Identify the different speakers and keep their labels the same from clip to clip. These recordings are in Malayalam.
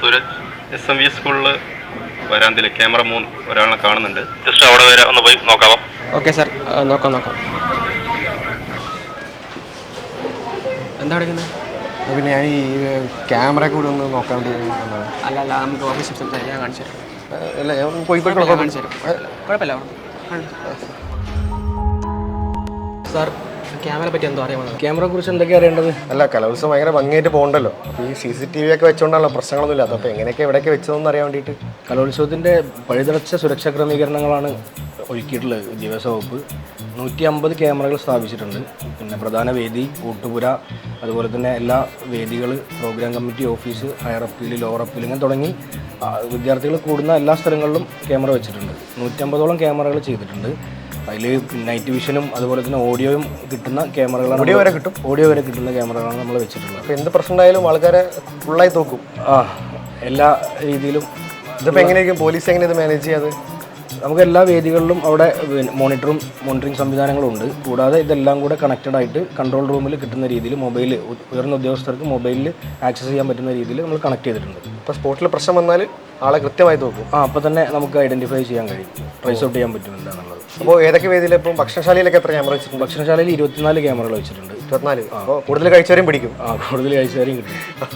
Speaker 1: സൂരജ് SMV സ്കൂളിൽ വരാന്തിൽ ക്യാമറ 3 ഒരാളെ കാണുന്നുണ്ട്. ജസ്റ്റ് അവിടെ വരെ ഒന്ന് പോയി നോക്കാമോ?
Speaker 2: ഓക്കെ സാർ, നോക്കാം. എന്താ എടുക്കുന്നത്?
Speaker 3: പിന്നെ ഞാൻ ഈ ക്യാമറ കൂടി ഒന്ന് നോക്കാൻ വേണ്ടി
Speaker 2: അല്ല നമുക്ക് ഓഫീസിൽ സംസാരിക്കാം, ഞാൻ കാണിച്ചു തരാം.
Speaker 3: അല്ല ഞാൻ പോയി
Speaker 2: കാണിച്ചു തരാം, കുഴപ്പമില്ല. സാർ, ക്യാമറയെ പറ്റി എന്തോ അറിയാമോ?
Speaker 3: ക്യാമറയെ കുറിച്ച് എന്തൊക്കെയാണ് അറിയേണ്ടത്? അല്ല, കലോത്സവം ഭയങ്കര ഭംഗിയായിട്ട് പോകണ്ടല്ലോ. അപ്പോൾ ഈ CCTV ഒക്കെ വെച്ചുകൊണ്ടാണല്ലോ പ്രശ്നങ്ങളൊന്നും ഇല്ലാത്ത. അപ്പോൾ എങ്ങനെയൊക്കെ എവിടെയൊക്കെ വെച്ചതെന്ന് അറിയാൻ വേണ്ടിയിട്ട്.
Speaker 4: കലോത്സവത്തിൻ്റെ പഴുതടച്ച സുരക്ഷാ ക്രമീകരണങ്ങളാണ് ഒരുക്കിയിട്ടുള്ളത് വിദ്യാഭ്യാസ വകുപ്പ്. 150 ക്യാമറകൾ സ്ഥാപിച്ചിട്ടുണ്ട്. പിന്നെ പ്രധാന വേദി, ഊട്ടുപുര, അതുപോലെ തന്നെ എല്ലാ വേദികൾ, programme committee office, higher appeal, lower appeal, ഇങ്ങനെ തുടങ്ങി വിദ്യാർത്ഥികൾ കൂടുന്ന എല്ലാ സ്ഥലങ്ങളിലും ക്യാമറ വെച്ചിട്ടുണ്ട്. 150ഓളം ക്യാമറകൾ ചെയ്തിട്ടുണ്ട്. അതിൽ നൈറ്റ് വിഷനും അതുപോലെ തന്നെ ഓഡിയോയും കിട്ടുന്ന ക്യാമറകളാണ്. ഓഡിയോ വരെ കിട്ടുന്ന ക്യാമറകളാണ് നമ്മൾ വെച്ചിട്ടുള്ളത്.
Speaker 3: അപ്പോൾ എന്ത് പ്രശ്നം ഉണ്ടായാലും ആൾക്കാരെ ഫുള്ളായി നോക്കും.
Speaker 4: എല്ലാ രീതിയിലും.
Speaker 3: ഇതിപ്പോൾ എങ്ങനെയായിരിക്കും പോലീസ് എങ്ങനെ ഇത് മാനേജ് ചെയ്യാതെ?
Speaker 4: നമുക്ക് എല്ലാ വേദികളിലും അവിടെ മോണിറ്ററിംഗ് സംവിധാനങ്ങളും ഉണ്ട്. കൂടാതെ ഇതെല്ലാം കൂടെ കണക്റ്റഡ് ആയിട്ട് കൺട്രോൾ റൂമിൽ കിട്ടുന്ന രീതിയിൽ മൊബൈൽ, ഉയർന്ന ഉദ്യോഗസ്ഥർക്ക് മൊബൈലിൽ ആക്സസ് ചെയ്യാൻ പറ്റുന്ന രീതിയിൽ നമ്മൾ കണക്ട് ചെയ്തിട്ടുണ്ട്.
Speaker 3: ഇപ്പോൾ സ്പോട്ടിൽ പ്രശ്നം വന്നാൽ ആളെ കൃത്യമായി നോക്കും.
Speaker 4: അപ്പോൾ തന്നെ നമുക്ക് ഐഡൻറ്റിഫൈ ചെയ്യാൻ കഴിയും, ട്രേസ് ഔട്ട് ചെയ്യാൻ പറ്റുന്നുണ്ട് എന്നുള്ളത്.
Speaker 3: അപ്പോൾ ഏതൊക്കെ വേദിയിൽ ഇപ്പം ഭക്ഷണശാലയിലൊക്കെ എത്ര ക്യാമറ വെച്ചിട്ടുണ്ട്?
Speaker 4: ഭക്ഷണശാലയിൽ 24 ക്യാമറകൾ വെച്ചിട്ടുണ്ട്.
Speaker 3: 24. അപ്പോൾ കൂടുതൽ കഴിച്ചവരെയും പിടിക്കും.
Speaker 4: കൂടുതൽ കഴിച്ചവരെയും കിട്ടും.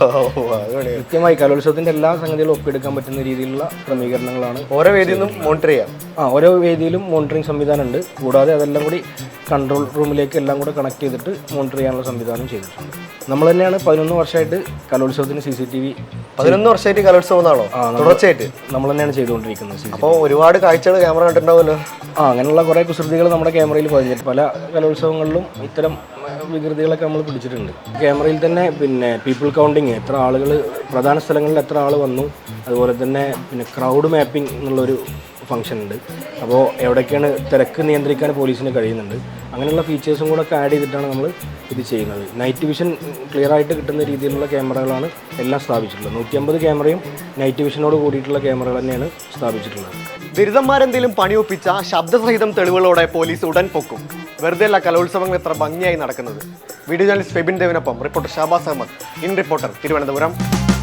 Speaker 4: കൃത്യമായി കലോത്സവത്തിൻ്റെ എല്ലാ സംഗതികളും ഒപ്പിയെടുക്കാൻ പറ്റുന്ന രീതിയിലുള്ള ക്രമീകരണങ്ങളാണ്.
Speaker 3: ഓരോ വേദിയിൽ നിന്നും മോണിറ്റർ ചെയ്യാം.
Speaker 4: ഓരോ വേദിയിലും മോണിറ്ററിംഗ് സംവിധാനം ഉണ്ട്. കൂടാതെ അതെല്ലാം കൂടി കൺട്രോൾ റൂമിലേക്ക് എല്ലാം കൂടെ കണക്ട് ചെയ്തിട്ട് മോണിറ്റർ ചെയ്യാനുള്ള സംവിധാനം ചെയ്തിട്ടുണ്ട്. നമ്മൾ തന്നെയാണ് 11 വർഷമായിട്ട് കലോത്സവത്തിന് CCTV.
Speaker 3: 11 വർഷമായിട്ട് കലോത്സവം എന്നാണോ? തുടർച്ചയായിട്ട്
Speaker 4: നമ്മൾ തന്നെയാണ് ചെയ്തുകൊണ്ടിരിക്കുന്നത്.
Speaker 3: അപ്പോൾ ഒരുപാട് കാഴ്ചകൾ ക്യാമറ കണ്ടിട്ടുണ്ടാവുമല്ലോ.
Speaker 4: അങ്ങനെയുള്ള കുറേ കുസൃതികൾ നമ്മുടെ ക്യാമറയിൽ പതിഞ്ഞിട്ട് പല കലോത്സവങ്ങളിലും ഇത്തരം വികൃതികളൊക്കെ നമ്മൾ പിടിച്ചിട്ടുണ്ട്. ക്യാമറയിൽ തന്നെ പിന്നെ പീപ്പിൾ കൗണ്ടിങ്, എത്ര ആളുകൾ, പ്രധാന സ്ഥലങ്ങളിൽ എത്ര ആൾ വന്നു, അതുപോലെ തന്നെ പിന്നെ ക്രൗഡ് മാപ്പിംഗ് എന്നുള്ളൊരു ഫംഗ്ഷൻ ഉണ്ട്. അപ്പോൾ എവിടേക്കാണ് തിരക്ക് നിയന്ത്രിക്കാൻ പോലീസിന് കഴിയുന്നുണ്ട്. അങ്ങനെയുള്ള ഫീച്ചേഴ്സും കൂടെ ഒക്കെ ആഡ് ചെയ്തിട്ടാണ് നമ്മൾ ഇത് ചെയ്യുന്നത്. നൈറ്റ് വിഷൻ ക്ലിയർ ആയിട്ട് കിട്ടുന്ന രീതിയിലുള്ള ക്യാമറകളാണ് എല്ലാം സ്ഥാപിച്ചിട്ടുള്ളത്. 150 ക്യാമറയും നൈറ്റ് വിഷനോട് കൂടിയിട്ടുള്ള ക്യാമറകൾ തന്നെയാണ് സ്ഥാപിച്ചിട്ടുള്ളത്.
Speaker 3: ബിരുദന്മാരെന്തെങ്കിലും പണിയൊപ്പിച്ച ശബ്ദസഹിതം തെളിവുകളോടെ പോലീസ് ഉടൻ പൊക്കും. വെറുതെ അല്ല കലോത്സവങ്ങൾ എത്ര ഭംഗിയായി നടക്കുന്നത്. വീഡിയോ ജേർണലിസ്റ്റ് ഫെബിൻ ദേവിനൊപ്പം reporter Shabas Ahammed, in reporter, Thiruvananthapuram.